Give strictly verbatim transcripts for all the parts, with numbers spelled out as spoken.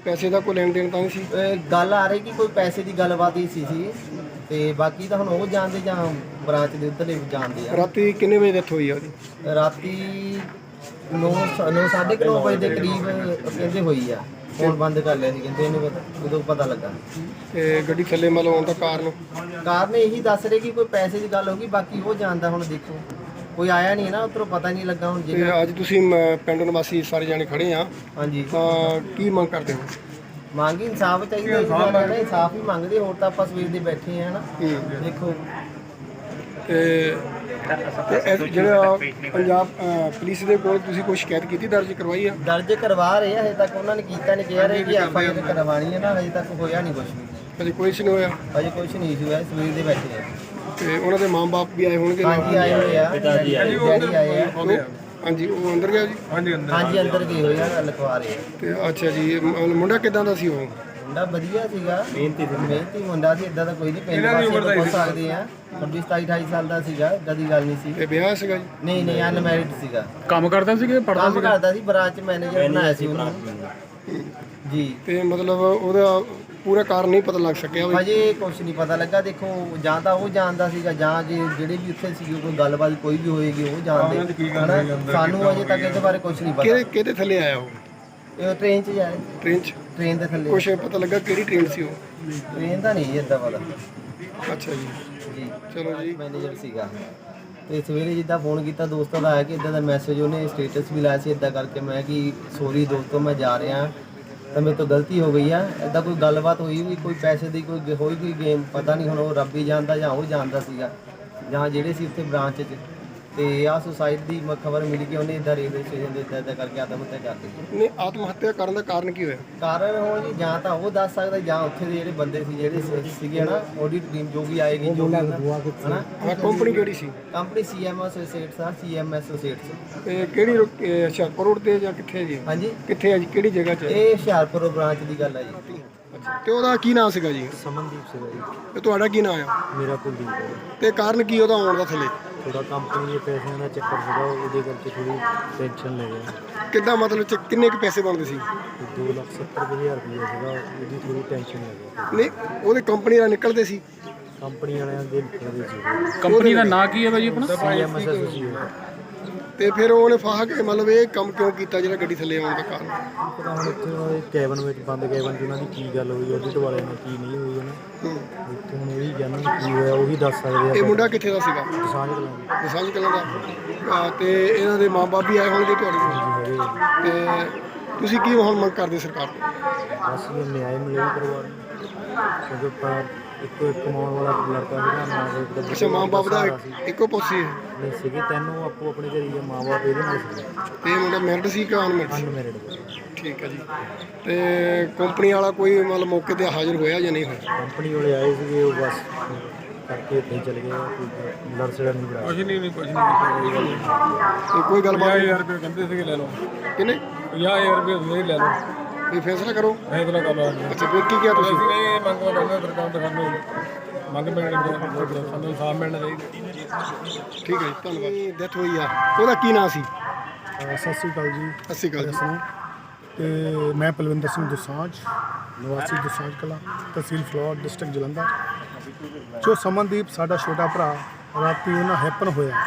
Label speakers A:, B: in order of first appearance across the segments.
A: ਪੈਸੇ ਦਾ ਕੋਈ ਲੈਣ ਦੇਣ ਤਾਂ ਨਹੀਂ ਸੀ?
B: ਗੱਲ ਆ ਰਹੀ ਕਿ ਕੋਈ ਪੈਸੇ ਦੀ ਗੱਲਬਾਤ ਹੀ ਸੀ ਸੀ ਤੇ ਬਾਕੀ ਤਾਂ ਹੁਣ ਉਹ ਜਾਣਦੇ ਜਾਂ ਬ੍ਰਾਂਚ ਦੇ ਉੱਧਰਲੇ ਜਾਣਦੇ ਆ।
A: ਰਾਤੀ ਕਿੰਨੇ ਵਜੇ ਡੈਥ ਹੋਈ ਆ ਉਹਦੀ?
B: ਰਾਤੀ ਨੌ ਨੌ ਸਾਢੇ ਕੁ ਨੌ ਵਜੇ ਦੇ ਕਰੀਬ ਕਹਿੰਦੇ ਹੋਈ ਆ। ਫੋਨ ਬੰਦ ਕਰ ਲਿਆ ਸੀ ਕਹਿੰਦੇ ਇਹਨੂੰ ਪਤਾ ਉਦੋਂ ਪਤਾ ਲੱਗਾ।
A: ਤੇ ਗੱਡੀ ਥੱਲੇ ਮਤਲਬ ਆਉਣ ਦਾ ਕਾਰਨ?
B: ਕਾਰਨ ਇਹੀ ਦੱਸ ਰਹੇ ਕਿ ਕੋਈ ਪੈਸੇ ਦੀ ਗੱਲ ਹੋ ਗਈ, ਬਾਕੀ ਉਹ ਜਾਣਦਾ। ਹੁਣ ਦੇਖੋ ਕੋਈ ਆਇਆ ਨਹੀਂ ਨਾ ਉੱਧਰੋਂ, ਪਤਾ ਨਹੀਂ ਲੱਗਾ। ਹੁਣ
A: ਤੇ
B: ਜੇ
A: ਅੱਜ ਤੁਸੀਂ ਮ- ਪਿੰਡ ਨਿਵਾਸੀ ਸਾਰੇ ਜਾਣੇ ਖੜੇ ਆ,
B: ਹਾਂਜੀ
A: ਤਾਂ ਕੀ ਮੰਗ ਕਰਦੇ ਹੋ?
B: ਮੰਗੀ ਇਨਸਾਫ ਚਾਹੀਦਾ ਜੀ, ਸਾਰਿਆਂ ਨੇ ਇਨਸਾਫ ਹੀ ਮੰਗਦੇ। ਹੋਰ ਤਾਂ ਆਪਾਂ ਸਵੇਰ ਦੇ ਬੈਠੇ ਆ ਨਾ। ਦੇਖੋ
A: ਤੇ ਤੇ ਇਹ ਜਿਹੜਾ ਪੰਜਾਬ ਅ, ਪੁਲਿਸ ਦੇ ਕੋਲ ਤੁਸੀਂ ਕੋਈ ਸ਼ਿਕਾਇਤ ਕੀਤੀ, ਦਰਜ ਕਰਵਾਈ ਆ?
B: ਦਰਜ ਕਰਵਾ ਰਹੇ ਆ, ਹਜੇ ਤੱਕ ਉਹਨਾਂ ਨੇ ਕੀਤਾ ਨਹੀਂ। ਕਹਿ ਰਹੇ ਕਿ ਐਫ ਆਈ ਆਰ ਕਰਵਾਉਣੀ ਹੈ ਨਾ, ਹਜੇ ਤੱਕ ਹੋਇਆ ਨਹੀਂ ਕੁਝ ਵੀ।
A: ਅਜੇ ਕੋਈ ਨਹੀਂ ਹੋਇਆ?
B: ਹਜੇ ਕੁਝ ਨਹੀਂ ਹੋਇਆ, ਸਵੇਰ ਦੇ ਬੈਠੇ ਆ।
A: ਤੇ ਉਹਨਾਂ ਦੇ ਮਾਂ-ਬਾਪ ਵੀ ਆਏ ਹੋਣਗੇ?
B: ਹਾਂਜੀ ਆਏ ਹੋਏ ਆ, ਡੈਡੀ ਆਏ ਆ।
A: ਹਾਂਜੀ, ਉਹ ਅੰਦਰ ਗਿਆ ਜੀ?
B: ਹਾਂਜੀ ਅੰਦਰ ਗਏ ਹੋਏ ਆ, ਲਿਖਵਾ ਰਹੇ ਆ।
A: ਤੇ ਅੱਛਾ ਜੀ, ਇਹ ਮ- ਮੁੰਡਾ ਕਿਦਾਂ ਦਾ ਸੀ ਉਹ?
B: ਮੁੰਡਾ ਵਧੀਆ ਸੀਗਾ, ਮਿਹਨਤੀ ਮਿਹਨਤੀ ਮੁੰਡਾ ਸੀ। ਇਦਾਂ ਦਾ ਕੋਈ ਨਹੀਂ, ਪਿੰਡ ਵਾਸੀ ਪੁੱਛ ਸਕਦੇ ਆ। ਛੱਬੀ ਸਤਾਈ ਅਠਾਈ ਸਾਲ ਦਾ ਸੀਗਾ, ਇਦਾਂ ਦੀ ਗੱਲ ਨਹੀਂ ਸੀ।
A: ਤੇ ਵਿਆਹ ਸੀਗਾ ਜੀ?
B: ਨਹੀਂ ਨਹੀਂ, ਅਨਮੈਰਿਡ ਸੀਗਾ।
C: ਕੰਮ ਕਰਦਾ ਸੀ ਕਿ ਪੜ੍ਹਦਾ
B: ਕੰਮ ਕਰਦਾ ਸੀ, ਬ੍ਰਾਂਚ ਮੈਨੇਜਰ ਬਣਾਇਆ ਸੀ ਉਹਨੂੰ ਜੀ।
A: ਤੇ ਮਤਲਬ ਉਹਦਾ ਪੂਰਾ ਕਾਰਨ ਨਹੀਂ ਪਤਾ ਲੱਗ ਸਕਿਆ ਵੀ?
B: ਹਜੇ ਕੁਛ ਨਹੀਂ ਪਤਾ ਲੱਗਾ। ਦੇਖੋ ਜਾਂ ਤਾਂ ਉਹ ਜਾਣਦਾ ਸੀਗਾ, ਜਾਂ ਜੇ ਜਿਹੜੇ ਵੀ ਉੱਥੇ ਸੀਗੇ ਕੋਈ ਗੱਲਬਾਤ ਕੋਈ ਵੀ ਹੋਏਗੀ ਉਹ ਜਾਣਦੇ ਹਨਾ। ਸਾਨੂੰ ਅਜੇ ਤੱਕ ਇਹਦੇ ਬਾਰੇ ਕੁਛ ਨਹੀਂ ਪਤਾ।
A: ਕਿਹਦੇ ਕਿਹਦੇ ਥੱਲੇ ਆਇਆ ਉਹ?
B: ਇਹ ਟ੍ਰੇਨ 'ਚ ਜਾਏ,
A: ਟ੍ਰੇਨ 'ਚ?
B: ਟ੍ਰੇਨ ਦੇ ਥੱਲੇ।
A: ਕੁਛ ਪਤਾ ਲੱਗਾ ਕਿਹੜੀ ਟ੍ਰੇਨ ਸੀ ਉਹ?
B: ਟ੍ਰੇਨ ਦਾ ਨਹੀਂ ਇੱਦਾਂ ਪਤਾ
A: ਅੱਛਾ ਜੀ,
B: ਜੀ।
A: ਚਲੋ ਜੀ।
B: ਮੈਨੇਜਰ ਸੀਗਾ। ਤੇ ਸਵੇਰੇ ਜਿੱਦਾਂ ਫੋਨ ਕੀਤਾ ਦੋਸਤਾਂ ਦਾ ਆਇਆ ਕਿ ਇਦਾਂ ਦਾ ਮੈਸੇਜ, ਉਹਨੇ ਸਟੇਟਸ ਵੀ ਲਾਇਆ ਸੀ ਇਦਾਂ ਕਰਕੇ। ਮੈਂ ਕਿ ਸੋਰੀ ਦੋਸਤੋ, ਮੈਂ ਜਾ ਰਿਹਾ ਤਾਂ ਮੇਰੇ ਤੋਂ ਗਲਤੀ ਹੋ ਗਈ ਆ। ਇਦਾਂ ਕੋਈ ਗੱਲਬਾਤ ਹੋਈ ਵੀ, ਕੋਈ ਪੈਸੇ ਦੀ ਕੋਈ ਹੋਈ ਕੋਈ ਗੇਮ, ਪਤਾ ਨਹੀਂ। ਹੁਣ ਉਹ ਰੱਬ ਹੀ ਜਾਣਦਾ ਜਾਂ ਉਹ ਜਾਣਦਾ ਸੀਗਾ, ਜਾਂ ਜਿਹੜੇ ਸੀ ਉੱਥੇ ਬ੍ਰਾਂਚ 'ਚ। ਤੇ ਆਹ ਸੁਸਾਇਟੀ ਦੀ ਖਬਰ ਮਿਲੀ ਕਿ ਉਹਨੇ ਇਦਾਂ ਰੇਲਵੇ ਸਟੇਸ਼ਨ ਦੇ ਇੱਦਾਂ ਇੱਦਾਂ ਕਰਕੇ ਆਤਮ ਹੱਤਿਆ ਕਰ ਦਿੱਤੀ।
A: ਨਹੀਂ, ਆਤਮ ਹੱਤਿਆ ਕਰਨ ਦਾ ਕਾਰਨ ਕੀ ਹੋਇਆ?
B: ਕਾਰਨ ਹੁਣ ਜੀ ਜਾਂ ਤਾਂ ਉਹ ਦੱਸ ਸਕਦਾ, ਜਾਂ ਉੱਥੇ ਦੇ ਜਿਹੜੇ ਬੰਦੇ ਸੀ, ਜਿਹੜੇ ਸੀ- ਸੀਗੇ ਨਾ ਆਡਿਟ ਟੀਮ ਜੋ ਵੀ ਆਏਗੀ, ਜੋ ਵੀ ਹਨਾ।
A: ਆਹ ਕੰਪਨੀ ਕਿਹੜੀ ਸੀ?
B: ਕੰਪਨੀ ਸੀ ਐਮ ਐਸੋਸੀਏਟਸ ਆ, ਸੀ ਐਮ ਐਸੋਸੀਏਟਸ।
A: ਤੇ ਕਿਹੜੀ ਰੋ- ਇਹ ਹੁਸ਼ਿਆਰਪੁਰ ਰੋਡ ਤੇ ਜਾਂ ਕਿੱਥੇ ਜੀ?
B: ਹਾਂਜੀ,
A: ਕਿੱਥੇ ਹੈ ਜੀ, ਕਿਹੜੀ ਜਗ੍ਹਾ 'ਚ ਹੈ?
B: ਇਹ ਹੁਸ਼ਿਆਰਪੁਰ ਬ੍ਰਾਂਚ ਦੀ ਗੱਲ ਹੈ ਜੀ।
A: ਅੱਛਾ, ਤੇ ਉਹਦਾ ਕੀ ਨਾਮ ਸੀਗਾ ਜੀ?
B: ਸਮਨਦੀਪ ਸੀਗਾ ਜੀ।
A: ਤੇ ਤੁਹਾਡਾ ਕੀ ਨਾਮ ਆ?
B: ਮੇਰਾ ਕੁਲਦੀਪ ਹੈ।
A: ਤੇ ਕਾਰਨ ਕੀ ਉਹਦਾ ਆਉਣ ਦਾ ਥੱਲੇ?
B: ਥੋੜਾ ਕੰਪਨੀ ਦੇ ਪੈਸਿਆਂ ਦਾ ਚੱਕਰ ਸੀਗਾ, ਉਹਦੇ ਕਰਕੇ ਥੋੜੀ ਟੈਨਸ਼ਨ ਲੈ ਗਿਆ।
A: ਕਿੱਦਾਂ ਮਤਲਬ ਚ ਕਿੰਨੇ ਕੁ ਪੈਸੇ ਬਣਦੇ ਸੀ?
B: ਦੋ ਲੱਖ ਸੱਤਰ ਹਜ਼ਾਰ ਰੁਪਈਆ ਸੀਗਾ, ਉਹਦੀ ਥੋੜੀ ਟੈਨਸ਼ਨ ਲੈ ਗਿਆ।
A: ਨਹੀਂ, ਉਹਦੇ ਕੰਪਨੀ ਨਾਲ ਨਿਕਲਦੇ ਸੀ?
B: ਕੰਪਨੀ ਵਾਲਿਆਂ ਦੇ ਨਿਕਲਦੇ ਸੀ।
C: ਕੰਪਨੀ ਦਾ ਨਾਂ ਕੀ ਹੈ ਭਾਜੀ ਆਪਣਾ?
B: C M S associate.
A: ਤੇ ਫਿਰ ਉਹਨੇ ਫਾਹਾ ਕੇ ਮਤਲਬ ਇਹ ਕੰਮ ਕਿਉਂ ਕੀਤਾ ਜਿਹੜਾ ਗੱਡੀ ਥੱਲੇ ਆਉਣ ਦਾ ਕਾਰਨ?
B: ਪਤਾ ਹੁਣ ਇੱਥੇ ਉਹਨਾਂ ਦੇ ਕੈਬਨ ਵਿੱਚ, ਬੰਦ ਕੈਬਨ 'ਚ ਉਹਨਾਂ ਦੀ ਕੀ ਗੱਲ ਹੋਈ, ਆਡਿਟ ਵਾਲਿਆਂ ਨਾਲ ਕੀ ਨਹੀਂ ਹੋਈ ਉਹਨੇ।
A: ਹੂੰ।
B: ਇੱਥੇ ਹੁਣ ਉਹੀ ਜਾਣਨ ਕੀ ਹੋਇਆ, ਉਹੀ ਦੱਸ ਸਕਦੇ ਆ।
A: ਇਹ ਮੁੰਡਾ ਕਿੱਥੇ ਦਾ ਸੀਗਾ?
B: ਸਾਂਝ ਕਲਾਂਗੇ
A: ਦਸਾਂਝ ਕਲਾਂ ਦਾ। ਆ, ਤੇ ਇਹਨਾਂ ਦੇ ਮਾਂ-ਬਾਪ ਵੀ ਆਏ ਹੋਣਗੇ ਤੁਹਾਡੇ ਕੋਲ?
B: ਜੀ ਹੈਗੇ।
A: ਤੇ ਤੁਸੀਂ ਕੀ ਹੁਣ ਮੰਗ ਕਰਦੇ ਸਰਕਾਰ ਤੋਂ?
B: ਬਸ ਇਹ ਨਿਆਂ ਮਿਲੇ ਪਰਿਵਾਰ ਨੂੰ, ਕਿਉਂਕਿ ਪਰ ਇੱਕੋ ਇੱਕ ਕਮਾਉਣ ਵਾਲਾ ਲੜਕਾ ਸੀਗਾ। ਮਾਂ ਬਾਪ ਦਾ
A: ਅੱਛਾ, ਮਾਂ-ਬਾਪ ਦਾ
B: ਸਹਾਰਾ ਸੀ।
A: ਇੱਕੋ ਪੁੱਤ ਸੀ ਇਹ?
B: ਨਹੀਂ ਸੀਗੇ ਤੈਨੂੰ ਆਪੋ ਆਪਣੇ ਘਰੇ ਹੀ, ਮਾਂ ਬਾਪ ਇਹਦੇ ਨਾਲ ਸੀਗੇ।
A: ਤੇ ਇਹ ਮੁੰਡਾ ਮੈਰਿਡ ਸੀ ਕਿ ਅਨਮੈਰਿਡ ਸੀ?
B: ਅਨਮੈਰਿਡ।
A: ਠੀਕ ਹੈ ਜੀ। ਤੇ ਕੰਪਨੀ ਵਾਲਾ ਕੋਈ ਮਤਲਬ ਮੌਕੇ ਤੇ ਹਾਜ਼ਰ ਹੋਇਆ ਜਾਂ ਨਹੀਂ ਹੋਇਆ?
B: ਕੰਪਨੀ ਵਾਲੇ ਆਏ ਸੀਗੇ, ਉਹ ਬਸ ਕਰਕੇ ਇੱਥੇ ਹੀ ਚਲੇ ਗਏ। ਕੋਈ ਲੜ ਸੜਾ ਨਹੀਂ ਬਣਾਇਆ।
C: ਕੁਝ ਨਹੀਂ ਨਹੀਂ ਕੁਝ ਨਹੀਂ
A: ਤੇ ਕੋਈ ਗੱਲਬਾਤ ਨਹੀਂ?
C: ਰੁਪਏ ਕਹਿੰਦੇ ਸੀਗੇ ਲੈ ਲਓ,
A: ਕਿੰਨੇ?
C: ਪੰਜਾਹ ਹਜ਼ਾਰ ਰੁਪਏ ਤੁਸੀਂ ਲੈ ਲਓ,
A: ਵੀ ਫੈਸਲਾ ਕਰੋ।
C: ਫੈਸਲਾ ਕਰ ਲਓ।
A: ਅੱਛਾ, ਫਿਰ ਕੀ ਕਿਹਾ ਤੁਸੀਂ?
C: ਅਸੀਂ ਇਹ ਮੰਗ ਕਰਦੇ ਸਰਕਾਰ ਤੋਂ, ਸਾਨੂੰ ਮੰਗ ਮਿਲਣੀ ਚਾਹੀਦੀ, ਸਾਨੂੰ ਇਨਸਾਫ ਮਿਲਣਾ ਚਾਹੀਦਾ।
A: ਠੀਕ ਹੈ ਜੀ, ਧੰਨਵਾਦ। ਡੈਥ ਹੋਈ ਆ, ਉਹਦਾ ਕੀ ਨਾਂ ਸੀ?
D: ਸਤਿ ਸ਼੍ਰੀ ਅਕਾਲ ਜੀ।
A: ਸਤਿ ਸ਼੍ਰੀ ਅਕਾਲ ਜੀ।
D: ਤੇ ਮੈਂ ਪਲਵਿੰਦਰ ਸਿੰਘ ਦੋਸਾਂਝ, ਨਿਵਾਸੀ ਦੋਸਾਂਝ ਕਲਾਂ, ਤਹਿਸੀਲ ਫਲੋਰ, ਡਿਸਟ੍ਰਿਕਟ ਜਲੰਧਰ। ਜੋ ਸਮਨਦੀਪ ਸਾਡਾ ਛੋਟਾ ਭਰਾ, ਰਾਤੀ ਉਹਨਾਂ ਹੈਪਨ ਹੋਇਆ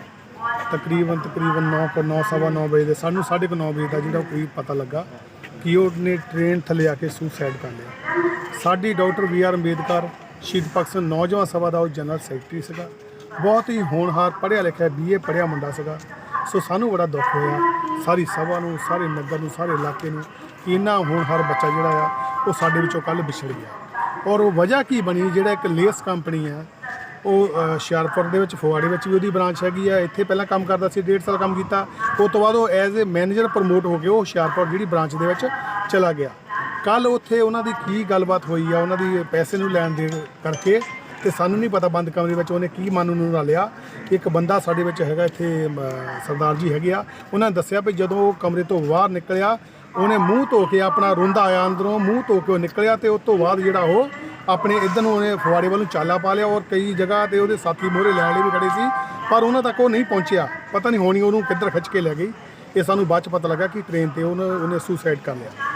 D: ਤਕਰੀਬਨ ਤਕਰੀਬਨ ਨੌ ਕੁ ਨੌ ਸਵਾ ਨੌ ਵਜੇ ਦੇ, ਸਾਨੂੰ ਸਾਢੇ ਕੁ ਨੌ ਵਜੇ ਦਾ ਜਿਹੜਾ ਕਰੀਬ ਪਤਾ ਲੱਗਾ ਕਿ ਉਹਨੇ ਟ੍ਰੇਨ ਥੱਲੇ ਆ ਕੇ ਸੁਸਾਈਡ ਕਰ ਲਿਆ। ਸਾਡੀ ਡਾਕਟਰ ਵੀ ਆਰ ਅੰਬੇਦਕਰ ਸ਼ਹੀਦ ਭਗਤ ਸਿੰਘ ਨੌਜਵਾਨ ਸਭਾ ਦਾ ਉਹ ਜਨਰਲ ਸੈਕਟਰੀ ਸੀਗਾ। ਬਹੁਤ ਹੀ ਹੋਣਹਾਰ, ਪੜ੍ਹਿਆ ਲਿਖਿਆ, ਬੀ ਏ ਪੜ੍ਹਿਆ ਮੁੰਡਾ ਸੀਗਾ। ਸੋ ਸਾਨੂੰ ਬੜਾ ਦੁੱਖ ਹੋਇਆ, ਸਾਰੀ ਸਭਾ ਨੂੰ, ਸਾਰੇ ਨਗਰ ਨੂੰ, ਸਾਰੇ ਇਲਾਕੇ ਨੂੰ, ਕਿ ਇੰਨਾ ਹੋਣਹਾਰ ਬੱਚਾ ਜਿਹੜਾ ਆ ਉਹ ਸਾਡੇ ਵਿੱਚੋਂ ਕੱਲ੍ਹ ਵਿਛੜ ਗਿਆ। ਔਰ ਉਹ ਵਜ੍ਹਾ ਕੀ ਬਣੀ, ਜਿਹੜਾ ਇੱਕ ਲੇਸ ਕੰਪਨੀ ਆ, ਉਹ ਹੁਸ਼ਿਆਰਪੁਰ ਦੇ ਵਿੱਚ, ਫਗਵਾੜੇ ਵਿੱਚ ਵੀ ਉਹਦੀ ਬ੍ਰਾਂਚ ਹੈਗੀ ਆ। ਇੱਥੇ ਪਹਿਲਾਂ ਕੰਮ ਕਰਦਾ ਸੀ, ਡੇਢ ਸਾਲ ਕੰਮ ਕੀਤਾ। ਉਸ ਤੋਂ ਬਾਅਦ ਉਹ ਐਜ਼ ਏ ਮੈਨੇਜਰ ਪ੍ਰਮੋਟ ਹੋ ਕੇ ਉਹ ਹੁਸ਼ਿਆਰਪੁਰ ਜਿਹੜੀ ਬ੍ਰਾਂਚ ਦੇ ਵਿੱਚ ਚਲਾ ਗਿਆ। ਕੱਲ੍ਹ ਉੱਥੇ ਉਹਨਾਂ ਦੀ ਕੀ ਗੱਲਬਾਤ ਹੋਈ ਆ, ਉਹਨਾਂ ਦੀ ਪੈਸੇ ਨੂੰ ਲੈਣ ਦੇਣ ਕਰਕੇ, ਤੇ ਸਾਨੂੰ ਨਹੀਂ ਪਤਾ ਬੰਦ ਕਮਰੇ ਵਿੱਚ ਉਹਨੇ ਕੀ ਮਨ ਨੂੰ ਲਾ ਲਿਆ। ਕਿ ਇੱਕ ਬੰਦਾ ਸਾਡੇ ਵਿੱਚ ਹੈਗਾ ਇੱਥੇ, ਸਰਦਾਰ ਜੀ ਹੈਗੇ ਆ, ਉਹਨਾਂ ਨੇ ਦੱਸਿਆ ਵੀ ਜਦੋਂ ਉਹ ਕਮਰੇ ਤੋਂ ਬਾਹਰ ਨਿਕਲਿਆ, ਉਹਨੇ ਮੂੰਹ ਧੋ ਕੇ ਆਪਣਾ ਰੋਂਦਾ ਆਇਆ ਅੰਦਰੋਂ, ਮੂੰਹ ਧੋ ਕੇ ਉਹ ਨਿਕਲਿਆ। ਤੇ ਉਸ ਤੋਂ ਬਾਅਦ ਜਿਹੜਾ ਉਹ ਆਪਣੇ ਇੱਧਰ ਨੂੰ ਉਹਨੇ ਫਗਵਾੜੇ ਵੱਲ ਨੂੰ ਚਾਲਾ ਪਾ ਲਿਆ। ਔਰ ਕਈ ਜਗ੍ਹਾ ਤੇ ਉਹਦੇ ਸਾਥੀ ਮੋਹਰੇ ਲੈਣ ਲਈ ਵੀ ਖੜੇ ਸੀ, ਪਰ ਉਹਨਾਂ ਤੱਕ ਉਹ ਨਹੀਂ ਪਹੁੰਚਿਆ। ਪਤਾ ਨਹੀਂ ਹੋਣੀ ਉਹਨੂੰ ਕਿੱਧਰ ਖਿੱਚ ਕੇ ਲੈ ਗਈ। ਇਹ ਸਾਨੂੰ ਬਾਅਦ 'ਚ ਪਤਾ ਲੱਗਾ ਕਿ ਟ੍ਰੇਨ 'ਤੇ ਉਹਨੇ ਉਹਨੇ ਸੁਸਾਈਡ ਕਰ ਲਿਆ।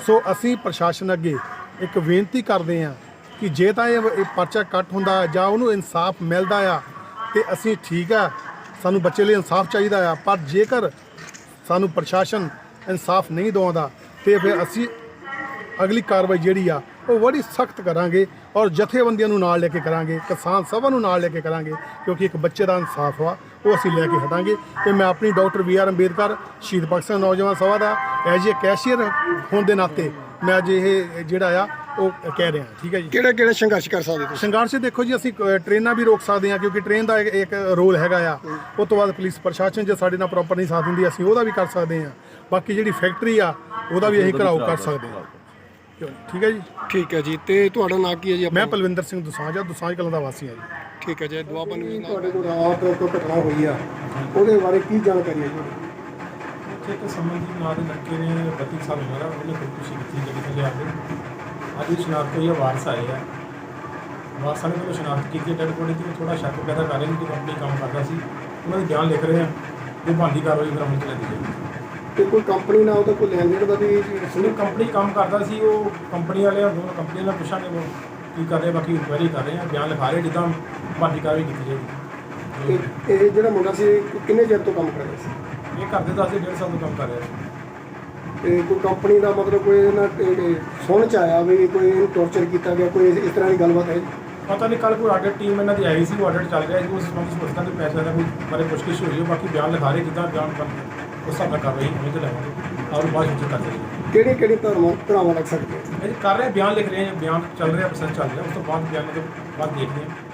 D: ਸੋ ਅਸੀਂ ਪ੍ਰਸ਼ਾਸਨ ਅੱਗੇ ਇੱਕ ਬੇਨਤੀ ਕਰਦੇ ਹਾਂ ਕਿ ਜੇ ਤਾਂ ਇਹ ਇਹ ਪਰਚਾ ਕੱਟ ਹੁੰਦਾ ਜਾਂ ਉਹਨੂੰ ਇਨਸਾਫ ਮਿਲਦਾ ਆ ਤੇ ਅਸੀਂ ਠੀਕ ਆ, ਸਾਨੂੰ ਬੱਚੇ ਲਈ ਇਨਸਾਫ ਚਾਹੀਦਾ ਆ। ਪਰ ਜੇਕਰ ਸਾਨੂੰ ਪ੍ਰਸ਼ਾਸਨ ਇਨਸਾਫ ਨਹੀਂ ਦਵਾਉਂਦਾ ਤੇ ਫਿਰ ਅਸੀਂ ਅਗਲੀ ਕਾਰਵਾਈ ਜਿਹੜੀ ਆ ਉਹ ਬੜੀ ਸਖਤ ਕਰਾਂਗੇ ਔਰ ਜਥੇਬੰਦੀਆਂ ਨੂੰ ਨਾਲ ਲੈ ਕੇ ਕਰਾਂਗੇ, ਕਿਸਾਨ ਸਭਾ ਨੂੰ ਨਾਲ ਲੈ ਕੇ ਕਰਾਂਗੇ, ਕਿਉਂਕਿ ਇੱਕ ਬੱਚੇ ਦਾ ਇਨਸਾਫ ਆ ਉਹ ਅਸੀਂ ਲੈ ਕੇ ਹਟਾਂਗੇ। ਤੇ ਮੈਂ ਆਪਣੀ ਡਾਕਟਰ ਬੀ ਆਰ ਅੰਬੇਦਕਰ ਸ਼ਹੀਦ ਭਗਤ ਸਿੰਘ ਨੌਜਵਾਨ ਸਭਾ ਦਾ ਐਜ ਏ ਕੈਸ਼ੀਅਰ ਹੋਣ ਦੇ ਨਾਤੇ ਮੈਂ ਅੱਜ ਇਹ ਜਿਹੜਾ ਆ ਉਹ ਕਹਿ ਰਿਹਾ। ਠੀਕ ਹੈ ਜੀ।
A: ਕਿਹੜੇ ਕਿਹੜੇ ਸੰਘਰਸ਼ ਕਰ ਸਕਦੇ ਤੁਸੀਂ?
D: ਸੰਘਰਸ਼ ਦੇਖੋ ਜੀ, ਅਸੀਂ ਕ- ਟ੍ਰੇਨਾਂ ਵੀ ਰੋਕ ਸਕਦੇ ਹਾਂ ਕਿਉਂਕਿ ਟ੍ਰੇਨ ਦਾ ਇੱਕ- ਇੱਕ ਰੋਲ ਹੈਗਾ ਆ। ਉਸ ਤੋਂ ਬਾਅਦ ਪੁਲਿਸ ਪ੍ਰਸ਼ਾਸਨ ਜੇ ਸਾਡੇ ਨਾਲ ਪ੍ਰੋਪਰ ਨਹੀਂ ਸਾਥ ਦਿੰਦੀ ਅਸੀਂ ਉਹਦਾ ਵੀ ਕਰ ਸਕਦੇ ਹਾਂ। ਬਾਕੀ ਜਿਹੜੀ ਫੈਕਟਰੀ ਆ ਉਹਦਾ ਵੀ ਅਸੀਂ ਘਰਾਓ ਕਰ ਸਕਦੇ ਹਾਂ। ਕਿਉਂ ਨਹੀਂ? ਠੀਕ ਹੈ ਜੀ।
A: ਠੀਕ ਹੈ ਜੀ। ਤੇ ਤੁਹਾਡਾ ਨਾਂ ਕੀ ਹੈ ਜੀ?
D: ਮੈਂ ਪਲਵਿੰਦਰ ਸਿੰਘ ਦੁਸਾਂਝ ਆ, ਦੁਸਾਂਝ ਕਲਾਂ ਦਾ ਵਾਸੀ ਹਾਂ ਜੀ।
A: ਠੀਕ ਹੈ ਜੀ। ਦੁਆਬਾ ਨਿਊਜ਼ ਨਾਲ ਤੁਹਾਡੇ ਕੋਲ ਰਾਤ ਕੋਈ ਘਟਨਾ ਹੋਈ ਆ, ਉਹਦੇ ਬਾਰੇ ਕੀ ਜਾਣਕਾਰੀ ਹੈ ਜੀ?
C: ਉੱਥੇ ਇੱਕ ਸਮਨਦੀਪ ਨਾਂ ਦੇ ਲੜਕੇ ਨੇ ਬੱਤੀ ਸਾਲ ਉਮਰ ਆ, ਉਹਨੇ ਖੁਦਕੁਸ਼ੀ ਕੀਤੀ ਗੱਡੀ ਥੱਲੇ ਆ ਕੇ। ਅੱਜ ਇਹ ਸ਼ਨਾਖਤ ਹੋਈ ਆ, ਵਾਰਸ ਆਏ ਆ। ਵਾਰਸਾਂ ਨੇ ਜਦੋਂ ਸ਼ਨਾਖਤ ਕੀਤੀ ਡੈਡ ਬੋਡੀ ਦੀ, ਥੋੜਾ ਸ਼ੱਕ ਪੈਦਾ ਕਰ ਰਹੇ ਨੇ ਕਿ ਕੰਪਨੀ ਕੰਮ ਕਰਦਾ ਸੀ। ਉਹਨਾਂ ਦੇ ਬਿਆਨ ਲਿਖ ਰਹੇ ਆ, ਜੋ ਬਣਦੀ ਕਾਰਵਾਈ ਫਿਰ ਅਮਲ 'ਚ ਲੈਂਦੀ ਜਾਏਗੀ।
A: ਤੇ ਕੋਈ ਕੰਪਨੀ ਨਾਲ ਉਹਦਾ ਕੋਈ ਲੈਣ ਦੇਣ ਦਾ ਵੀ
C: ਜਿਹੜੀ ਕੰਪਨੀ ਕੰਮ ਕਰਦਾ ਸੀ ਉਹ ਕੰਪਨੀ ਵਾਲੇ ਦੋਨੋਂ ਕੰਪਨੀ ਨਾਲ ਪੁੱਛਾਂਗੇ ਉਹ ਕੀ ਕਰ ਰਹੇ, ਬਾਕੀ ਇਨਕੁਆਇਰੀ ਕਰ ਰਹੇ ਆ, ਬਿਆਨ ਲਿਖਾ ਰਹੇ ਜਿੱਦਾਂ ਬਣਦੀ ਕਾਰਵਾਈ ਕੀਤੀ ਜਾਏਗੀ।
A: ਤੇ ਇਹ ਜਿਹੜਾ ਮੁੰਡਾ ਸੀ ਕਿੰਨੇ ਚਿਰ ਤੋਂ ਕੰਮ ਕਰ ਰਿਹਾ ਸੀ?
C: ਇਹ ਕਰਦੇ ਦੱਸਦੇ ਡੇਢ ਸਾਲ ਤੋਂ ਕੰਮ ਕਰ ਰਿਹਾ ਸੀ।
A: ਤੇ ਕੋਈ ਕੰਪਨੀ ਦਾ ਮਤਲਬ ਕੋਈ ਇਹਨਾਂ ਤੇ ਸੁਣ ਚ ਆਇਆ ਵੀ ਕੋਈ ਇਹਨੂੰ ਟੌਰਚਰ ਕੀਤਾ ਗਿਆ, ਕੋਈ ਇਸ ਤਰ੍ਹਾਂ ਦੀ ਗੱਲਬਾਤ ਹੈ?
C: ਪਤਾ ਨਹੀਂ ਕੱਲ੍ਹ ਕੋਈ ਆਡਿਟ ਟੀਮ ਇਹਨਾਂ ਦੀ ਆਈ ਸੀ, ਉਹ ਆਡਿਟ ਚੱਲ ਰਿਹਾ ਸੀ, ਉਸ ਸੰਬੰਧੀ ਸੋਚਦਾ ਕਿ ਪੈਸੇ ਦਾ ਕੋਈ ਬਾਰੇ ਪੁੱਛਗਿੱਛ ਹੋਈ ਹੈ। ਬਾਕੀ ਬਿਆਨ ਲਿਖਾ ਰਹੇ ਜਿੱਦਾਂ ਬਿਆਨ ਬਣ ਉਸ ਹਿਸਾਬ ਨਾਲ ਕਾਰਵਾਈ ਹੋਣੀ ਤੇ ਲਵਾਂਗੇ ਔਰ ਬਾਅਦ ਵਿੱਚ ਕਰਦੇ ਹਾਂ।
A: ਕਿਹੜੀ ਕਿਹੜੀ ਧਰਮਾਂ ਧਰਾਵਾਂ ਲੱਗ ਸਕਦੀਆਂ?
C: ਇਹ ਕਰ ਰਹੇ ਬਿਆਨ ਲਿਖ ਰਹੇ ਹਾਂ, ਬਿਆਨ ਚੱਲ ਰਿਹਾ, ਪ੍ਰੋਸੈਸ ਚੱਲ ਰਿਹਾ, ਉਸ ਤੋਂ ਬਾਅਦ ਬਿਆਨ ਤੋਂ ਬਾਅਦ ਦੇਖਦੇ ਹਾਂ।